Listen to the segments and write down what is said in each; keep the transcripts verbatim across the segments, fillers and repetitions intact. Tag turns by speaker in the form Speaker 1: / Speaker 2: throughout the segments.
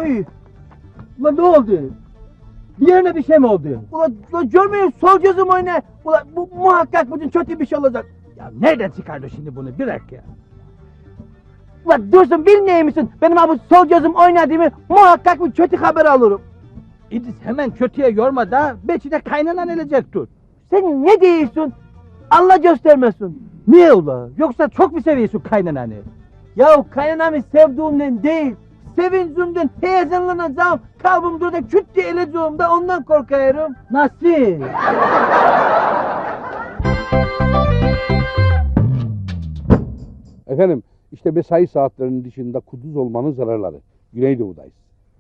Speaker 1: Oy! Ulan ne oldu? Bir yerine bir şey mi oldu? Ulan, ulan görmüyor musun? Sol gözüm oyna. Ulan bu muhakkak bugün kötü bir şey olacak. Ya nereden çıkardı şimdi bunu? Bir dakika ya. Ulan Dursun bilmiyor musun? Benim abi sol gözüm oynadığımı muhakkak bir kötü haber alırım. İdris hemen kötüye yorma da belki de kaynanan elecek tut. Sen ne diyorsun? Allah göstermesin. Niye ula? Yoksa çok mu seviyorsun kaynananı? Ya kaynanamı sevdiğimden değil, sevincimden heyecanlanacağım, kalbim durda küt diye eleceğim de ondan korkuyorum. Nasıl?
Speaker 2: Efendim, işte mesai saatlerinin dışında kuduz olmanın zararları. Güneydoğu'dayız.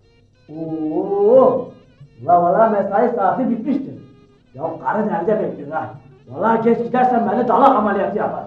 Speaker 3: Oo, la valla mesai saati bitmiştir. Ya karı nerede bekliyor ha? Valla geç gidersen beni dalak ameliyatı yapar.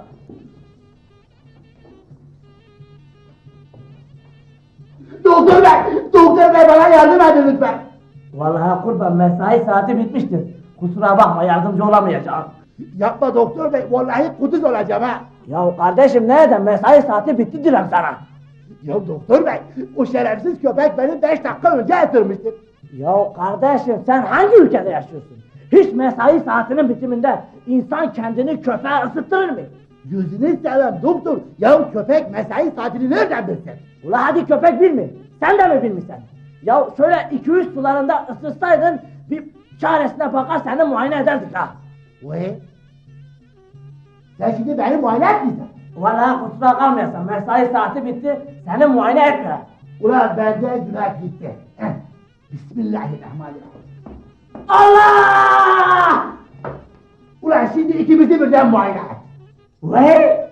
Speaker 1: Doktor bey! Doktor bey bana yardım edin lütfen!
Speaker 3: Vallahi kurban mesai saati bitmiştir. Kusura bakma yardımcı olamayacağım.
Speaker 1: Yapma doktor bey, vallahi kuduz olacağım ha!
Speaker 3: Ya kardeşim nereden mesai saati bitti diyorum sana.
Speaker 1: Ya doktor bey, o şerefsiz köpek beni beş dakika önce ısırmıştır.
Speaker 3: Ya kardeşim sen hangi ülkede yaşıyorsun? Hiç mesai saatinin bitiminde insan kendini köpeğe ısıttırır mı?
Speaker 1: Yüzünü seveyim doktor, ya köpek mesai saatini nereden bilsin?
Speaker 3: Ula hadi köpek bilmi. Sen de mi bilmişsin? Ya şöyle iki üç sularında ısırsaydın bir çaresine bakar seni muayene ederdik ha.
Speaker 1: Vay! Sen şimdi beni muayene etmeyeceksin.
Speaker 3: Valla kusura kalmayasın mesai saati bitti seni muayene etme.
Speaker 1: Ulan bende günah gitti. Heh. Bismillahirrahmanirrahim.
Speaker 3: Allah!
Speaker 1: Ulan şimdi ikimizi birden muayene et.
Speaker 3: Vay!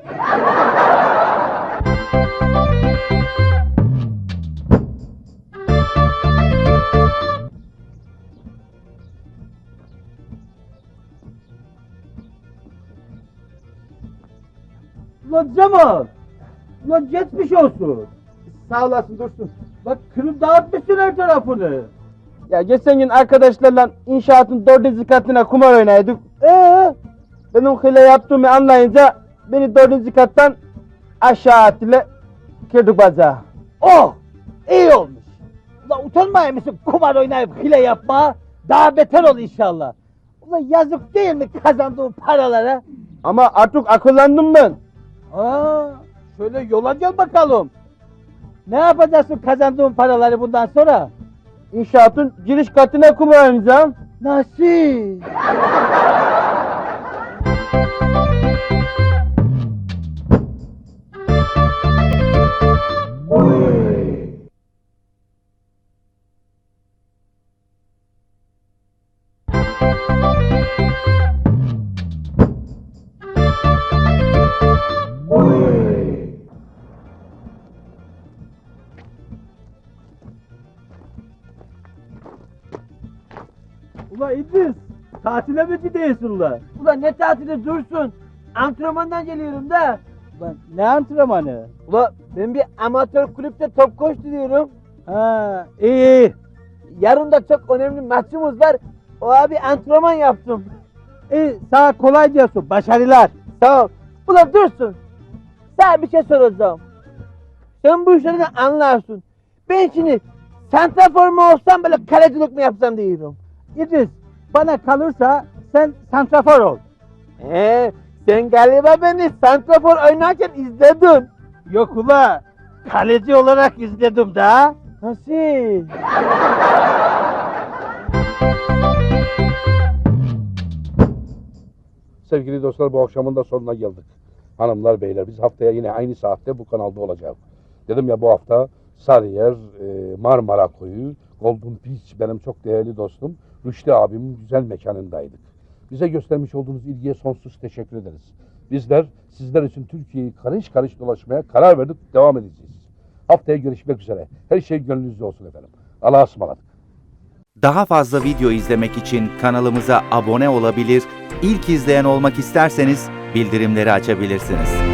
Speaker 1: Ulan Cemal! Ulan geçmiş olsun. Sağ olasın Dursun. Bak kırıp dağıtmışsın her tarafını.
Speaker 4: Ya geçen gün arkadaşlarla inşaatın dördüncü katına kumar oynaydık. Ee, benim hile yaptığımı anlayınca beni dördüncü kattan aşağı attılar, kırdık bacağı.
Speaker 1: Oh! İyi olmuş. Ulan utanmaya mısın kumar oynayıp hile yapma? Daha beter ol inşallah. Ulan yazık değil mi kazandığın paralara?
Speaker 4: Ama artık akıllandım ben.
Speaker 1: Aa, şöyle yola gel bakalım. Ne yapacaksın kazandığın paraları bundan sonra?
Speaker 4: İnşaatın giriş katına kumar oynayacağım.
Speaker 1: Nasıl? Ulan İdris, tatile mi gidiyorsun ulan? Ulan ne tatili Dursun? Antrenmandan geliyorum da.
Speaker 4: Ulan ne antrenmanı?
Speaker 1: Ulan ben bir amatör kulüpte top koşturuyorum.
Speaker 4: Ha, iyi iyi.
Speaker 1: Yarın da çok önemli maçımız var. O abi antrenman yaptım.
Speaker 4: İyi, sana kolay gelsin, başarılar.
Speaker 1: Sağ ol. Ulan Dursun, sana bir şey soracağım. Sen bu işlerden anlarsın. Ben şimdi santrafor mu olsam böyle kalecilik mi yapsam diyorum.
Speaker 4: İdris, bana kalırsa sen santrafor ol.
Speaker 1: Ee, sen galiba beni santrafor oynarken izledin.
Speaker 4: Yok ula, kaleci olarak izledim da.
Speaker 1: Nasıl?
Speaker 2: Sevgili dostlar, bu akşamın da sonuna geldik. Hanımlar, beyler, biz haftaya yine aynı saatte bu kanalda olacağız. Dedim ya, bu hafta Sarıyer, e, Marmara Koyu, Golden Beach, benim çok değerli dostum Rüştü abimin güzel mekanındaydık. Bize göstermiş olduğunuz ilgiye sonsuz teşekkür ederiz. Bizler sizler için Türkiye'yi karış karış dolaşmaya karar verdik, devam edeceğiz. Haftaya görüşmek üzere. Her şey gönlünüzde olsun efendim. Allah'a ısmarladık.
Speaker 5: Daha fazla video izlemek için kanalımıza abone olabilir, ilk izleyen olmak isterseniz bildirimleri açabilirsiniz.